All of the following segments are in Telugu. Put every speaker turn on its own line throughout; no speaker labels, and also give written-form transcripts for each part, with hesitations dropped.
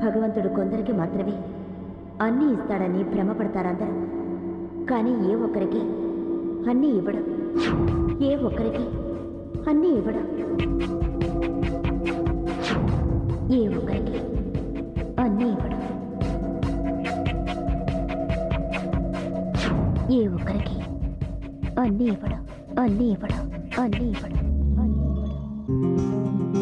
భగవంతుడు కొందరికి మాత్రమే అన్నీ ఇస్తాడని భ్రమపడతారందరూ. కానీ ఏ ఒక్కరికి అన్నీ ఇవ్వడం, ఏ ఒక్కరికి అన్నీ ఇవ్వడం, ఏ ఒక్కరికి అన్నీ ఇవ్వడం, ఏ ఒక్కరికి అన్నీ ఇవ్వడం, అన్నీ ఇవ్వడం, అన్నీ ఇవ్వడం, అన్నీ ఇవ్వడం.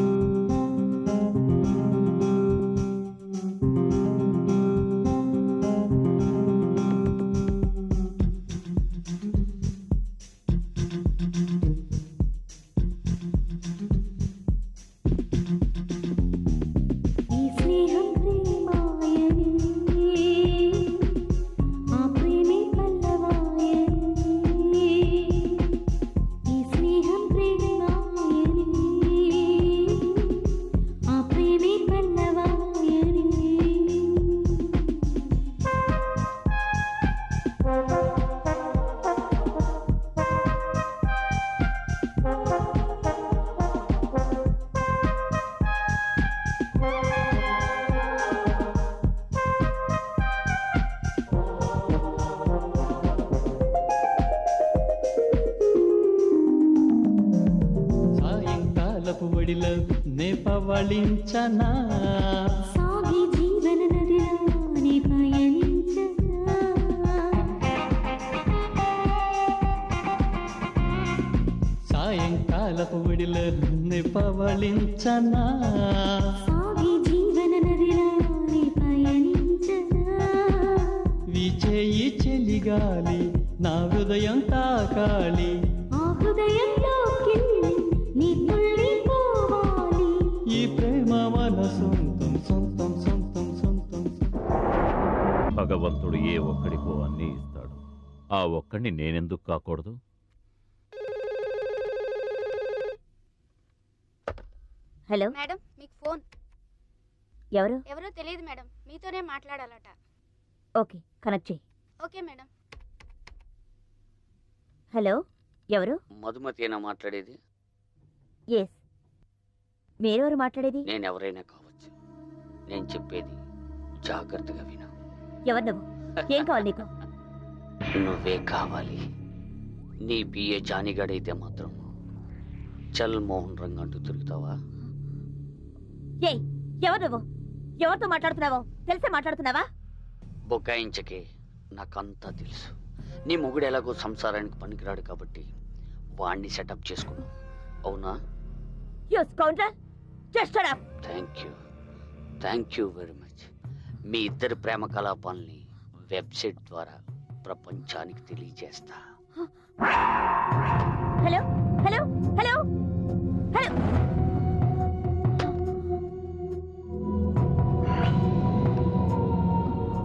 పవళించనా
సాగి జీవన నదిలోని పయనించనా
సాయంకాలపు విడిలోని పవళించనా
సాగి జీవన నదిలోని పయనించనా
విచేయి చెలిగాలి నా హృదయం తాకాలి
ఆ హృదయంలోకి నీ తుళ్ళి పోవాలి
ఈ ప్రేమ మన సొంతం సొంతం సొంతం సొంతం.
భగవంతుడు ఏ ఒక్కడికో అన్నీ ఇస్తాడు. ఆ ఒక్కడిని నేనెందుకు కాకూడదు?
హలో
మేడం, మీకు ఫోన్.
ఎవరో
తెలియదు మేడం, మీతోనే మాట్లాడాలట.
ఓకే, కనెక్ట్ చేయి.
Okay madam.
హలో, ఎవరు?
మధుమతేనా మాట్లాడేది?
ఎస్, మీరెవరు మాట్లాడేది?
నేను ఎవరైనా కావచ్చు. నేను చెప్పేది జాగ్రత్తగా విను.
ఎవరు నువ్వు? ఏం కావాలి నీకు?
నువ్వే కావాలి. నీ బిఏ జానిగాడైతే మాత్రం చల్ మోహన్ రంగ్ అంటూ తిరుగుతావా?
ఏయ్, ఎవరు నువ్వు? ఎవరితో మాట్లాడుతున్నావో తెలిసే మాట్లాడుతున్నావా?
బొకాయించకే, నాకంతా తెలుసు. నీ మొగుడు ఎలాగో సంసారానికి పనికిరాడు కాబట్టి వాణ్ణి సెటప్ చేసుకున్నావు, అవునా?
You scoundrel, just shut up.
Thank you very much. మీ ఇద్దరి ప్రేమ కలాపాలని వెబ్సైట్ ద్వారా ప్రపంచానికి తెలియజేస్తా.